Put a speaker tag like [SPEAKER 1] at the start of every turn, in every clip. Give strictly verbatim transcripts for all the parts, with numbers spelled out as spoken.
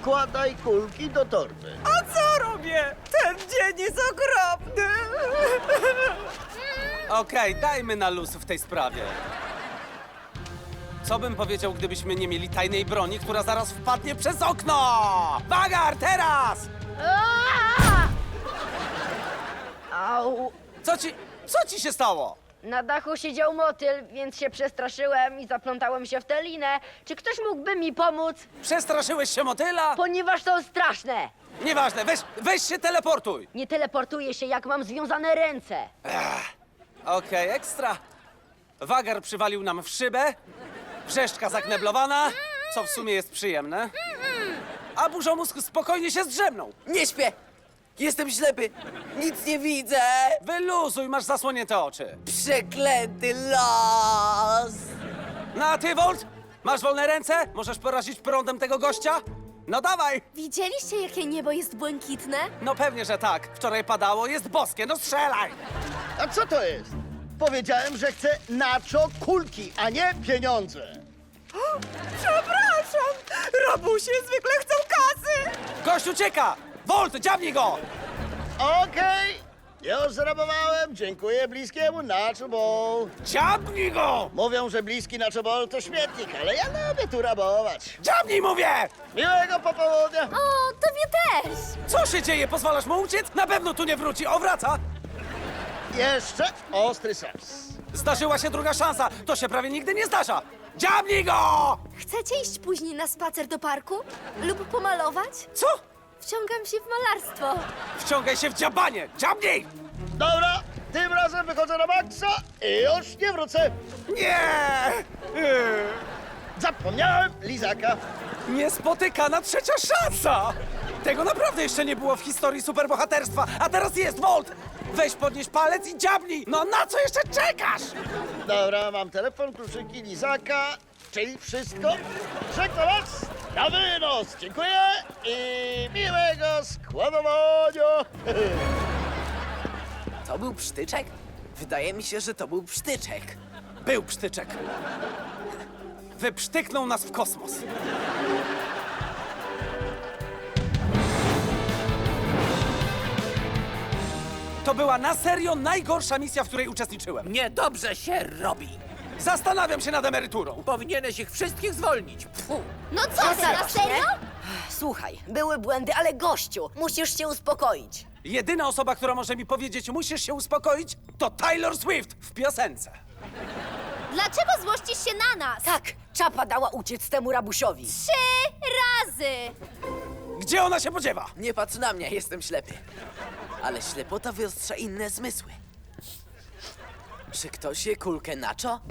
[SPEAKER 1] wkładaj kulki do torby.
[SPEAKER 2] A co robię? Ten dzień jest okropny.
[SPEAKER 3] Okej, dajmy na luz w tej sprawie. Co bym powiedział, gdybyśmy nie mieli tajnej broni, która zaraz wpadnie przez okno? Wagar, teraz!
[SPEAKER 4] Aaa! Au!
[SPEAKER 3] Co ci, co ci się stało?
[SPEAKER 4] Na dachu siedział motyl, więc się przestraszyłem i zaplątałem się w tę linę. Czy ktoś mógłby mi pomóc?
[SPEAKER 3] Przestraszyłeś się motyla?
[SPEAKER 4] Ponieważ są straszne.
[SPEAKER 3] Nieważne, weź, weź się teleportuj.
[SPEAKER 4] Nie teleportuję się, jak mam związane ręce.
[SPEAKER 3] Okej, ekstra. Wagar przywalił nam w szybę, wrzeszczka zakneblowana, co w sumie jest przyjemne. A burzomózg spokojnie się zdrzemnął.
[SPEAKER 2] Nie śpię. Jestem ślepy. Nic nie widzę.
[SPEAKER 3] Wyluzuj, masz zasłonięte oczy.
[SPEAKER 2] Przeklęty los.
[SPEAKER 3] No a ty, Volt? Masz wolne ręce? Możesz porazić prądem tego gościa? No dawaj!
[SPEAKER 5] Widzieliście, jakie niebo jest błękitne?
[SPEAKER 3] No pewnie, że tak. Wczoraj padało, jest boskie, no strzelaj!
[SPEAKER 1] A co to jest? Powiedziałem, że chcę nacho kulki, a nie pieniądze.
[SPEAKER 2] Przepraszam. Rabusie zwykle chcą kasy.
[SPEAKER 3] Gość ucieka! Volt, dziabnij go!
[SPEAKER 1] Okej, już zrabowałem. Dziękuję bliskiemu Nacho Ball.
[SPEAKER 3] Dziabnij go!
[SPEAKER 1] Mówią, że bliski Nacho Ball to śmietnik, ale ja lubię tu rabować.
[SPEAKER 3] Dziabnij, mówię!
[SPEAKER 1] Miłego popołudnia.
[SPEAKER 5] O, tobie też!
[SPEAKER 3] Co się dzieje? Pozwalasz mu uciec? Na pewno tu nie wróci, o wraca!
[SPEAKER 1] Jeszcze ostry sos.
[SPEAKER 3] Zdarzyła się druga szansa, to się prawie nigdy nie zdarza! Dziabnij go!
[SPEAKER 5] Chcecie iść później na spacer do parku? Lub pomalować?
[SPEAKER 3] Co?
[SPEAKER 5] Wciągam się w malarstwo.
[SPEAKER 3] Wciągaj się w dziabanie! Dziabnij!
[SPEAKER 1] Dobra, tym razem wychodzę na maksa i już nie wrócę.
[SPEAKER 3] Nie! Yy.
[SPEAKER 1] Zapomniałem lizaka.
[SPEAKER 3] Niespotykana trzecia szansa! Tego naprawdę jeszcze nie było w historii superbohaterstwa, a teraz jest, Volt! Weź podnieś palec i dziabnij! No na co jeszcze czekasz?
[SPEAKER 1] Dobra, mam telefon, kluczyki, lizaka, czyli wszystko. Żegnam was, na wynos, dziękuję i miłego składowania.
[SPEAKER 2] To był psztyczek? Wydaje mi się, że to był psztyczek.
[SPEAKER 3] Był psztyczek. Wypsztyknął nas w kosmos. To była na serio najgorsza misja, w której uczestniczyłem.
[SPEAKER 6] Niedobrze się robi.
[SPEAKER 3] Zastanawiam się nad emeryturą.
[SPEAKER 6] Powinieneś ich wszystkich zwolnić. Pfu.
[SPEAKER 5] No co, ty, na serio?
[SPEAKER 7] Słuchaj, były błędy, ale gościu, musisz się uspokoić.
[SPEAKER 3] Jedyna osoba, która może mi powiedzieć, musisz się uspokoić, to Taylor Swift w piosence.
[SPEAKER 5] Dlaczego złościsz się na nas?
[SPEAKER 7] Tak, czapa dała uciec temu rabusiowi.
[SPEAKER 5] Trzy razy!
[SPEAKER 3] Gdzie ona się podziewa?
[SPEAKER 2] Nie patrz na mnie, jestem ślepy. Ale ślepota wyostrza inne zmysły. Czy ktoś je kulkę nacho?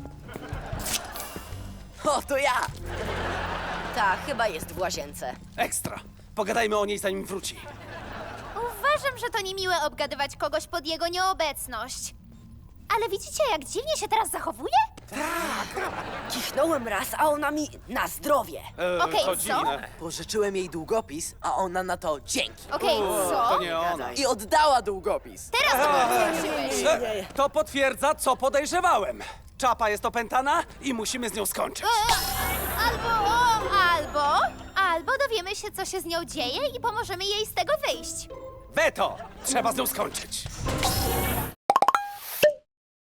[SPEAKER 2] O, to ja!
[SPEAKER 7] Tak, chyba jest w łazience.
[SPEAKER 3] Ekstra. Pogadajmy o niej, zanim wróci.
[SPEAKER 5] Uważam, że to niemiłe obgadywać kogoś pod jego nieobecność. Ale widzicie, jak dziwnie się teraz zachowuje?
[SPEAKER 7] Kichnąłem raz, a ona mi na zdrowie.
[SPEAKER 3] E,
[SPEAKER 5] Okej,
[SPEAKER 3] to
[SPEAKER 5] co?
[SPEAKER 3] dziwne.
[SPEAKER 2] Pożyczyłem jej długopis, a ona na to dzięki.
[SPEAKER 5] Okej, co?
[SPEAKER 3] To nie ona.
[SPEAKER 2] I oddała długopis.
[SPEAKER 5] Teraz to potwierdziłeś.
[SPEAKER 3] E, To potwierdza, co podejrzewałem. Czapa jest opętana i musimy z nią skończyć.
[SPEAKER 5] E, Albo, albo, albo dowiemy się, co się z nią dzieje i pomożemy jej z tego wyjść.
[SPEAKER 3] Weto! Trzeba z nią skończyć.